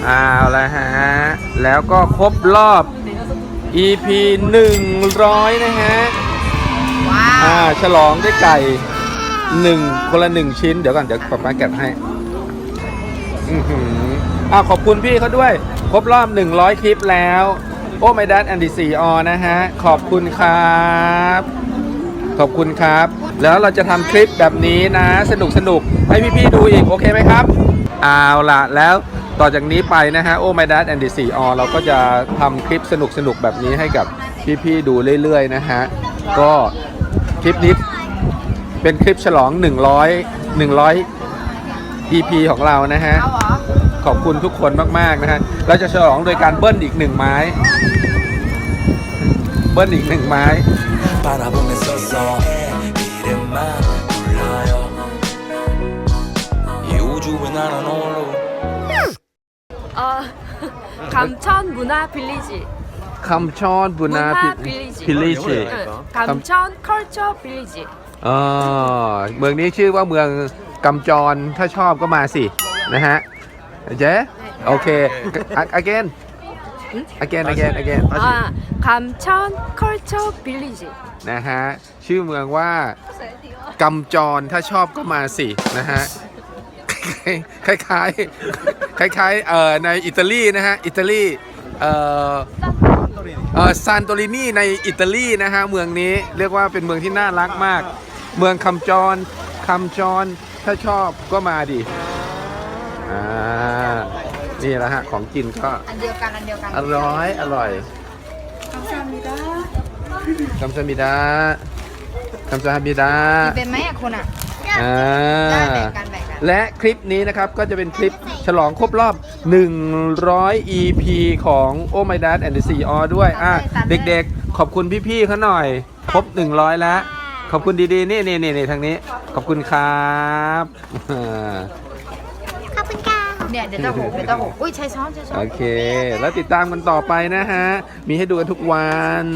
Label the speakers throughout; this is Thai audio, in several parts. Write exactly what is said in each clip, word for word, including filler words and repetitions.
Speaker 1: เอาละฮะแล้วก็ครบรอบ อี พี หนึ่งร้อยนะฮะ
Speaker 2: ว้า
Speaker 1: อ่าว ฉลองด้วยไก่หนึ่งคนละหนึ่งชิ้นเดี๋ยวก่อนเดี๋ยวป๊าป๊าแกะให้อือหืออ่าขอบคุณพี่เขาด้วยครบรอบหนึ่งร้อยคลิปแล้วโอ้ไม่ดัดแอนดี้ซีออนะฮะขอบคุณครับขอบคุณครับแล้วเราจะทำคลิปแบบนี้นะสนุกสนุกให้พี่ๆดูอีกโอเคไหมครับเอาล่ะแล้วต่อจากนี้ไปนะฮะโอ้ไม่ดัดแอนดี้ซีออเราก็จะทำคลิปสนุกสนุกแบบนี้ให้กับพี่ๆดูเรื่อยๆนะฮะก็คลิปนี้เป็นคลิปฉลองหนึ่งร้อย หนึ่งร้อย อี พี ของเรานะฮะ
Speaker 2: เอาเหรอ
Speaker 1: ขอบคุณทุกคนมากๆนะฮะเราจะฉลองโดยการเบิ้ลอีกหนึ่งไม้เบิ้ลอีกหนึ่งไม้
Speaker 2: เออ감천문화빌리지
Speaker 1: คำชอนบุนาพิลิชิ
Speaker 2: 감천컬처빌리지
Speaker 1: อ๋อเมืองนี้ชื่อว่าเมืองกำจรถ้าชอบก็มาสินะฮะเจ๊โอเค again again again again
Speaker 2: 아 감천 컬처 빌리지
Speaker 1: นะฮะชื่อเมืองว่ากำจรถ้าชอบก็มาสินะฮะคล้ายๆคล้ายๆเอ่อในอิตาลีนะฮะอิตาลีเอ่อเอ่อซานโตรินีในอิตาลีนะฮะเมืองนี้เรียกว่าเป็นเมืองที่น่ารักมากเมืองคำจรคำจรถ้าชอบก็มาดิอ่านี่แหละฮะของกินก็
Speaker 2: อันเดียวกันอันเดียวกัน
Speaker 1: อร่อยอร่อยคำซามิดาคำซามิดาคำซามิดา
Speaker 2: เป็นไหมอ่ะคุณอ่ะ
Speaker 1: อ่า
Speaker 2: ได้แบ่งกันแบ่งกัน
Speaker 1: และคลิปนี้นะครับก็จะเป็นคลิปฉลองครบรอบหนึ่งร้อย อี พี ของ Oh My Dad and the ซี อ ด้วยอ่ะเด็กๆขอบคุณพี่ๆเขาหน่อยครบหนึ่งร้อยแล้วขอบคุณดีๆนี่นี่นี่ทางนี้ขอบคุณครับ
Speaker 3: ขอบคุณค่ะ
Speaker 2: เนี่ยเดี๋ยวจะหกเดี๋ยวจะหกอุ้ยใช้ช้อนใช้ช้อน
Speaker 1: โอเคแล้วติดตามกันต่อไปนะฮะมีให้ดูกันทุกวัน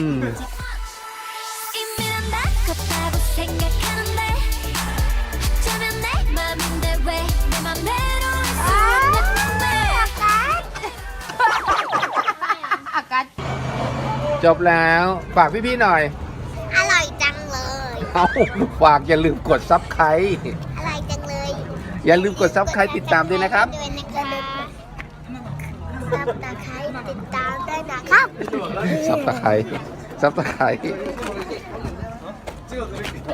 Speaker 1: จบแล้วฝากพี่ๆหน่อย
Speaker 3: อร่อยจังเลย
Speaker 1: เอาฝากอย่าลืมกดซับไครต์
Speaker 3: อร่อยจังเลย
Speaker 1: อย่าลืมกดซับไครต์ติดตามด้วยนะครับ
Speaker 3: ด้วยนะคะซับตะไคร้ติดตามด้วยนะครับ
Speaker 1: ซับตะไคร้ซับตะไคร้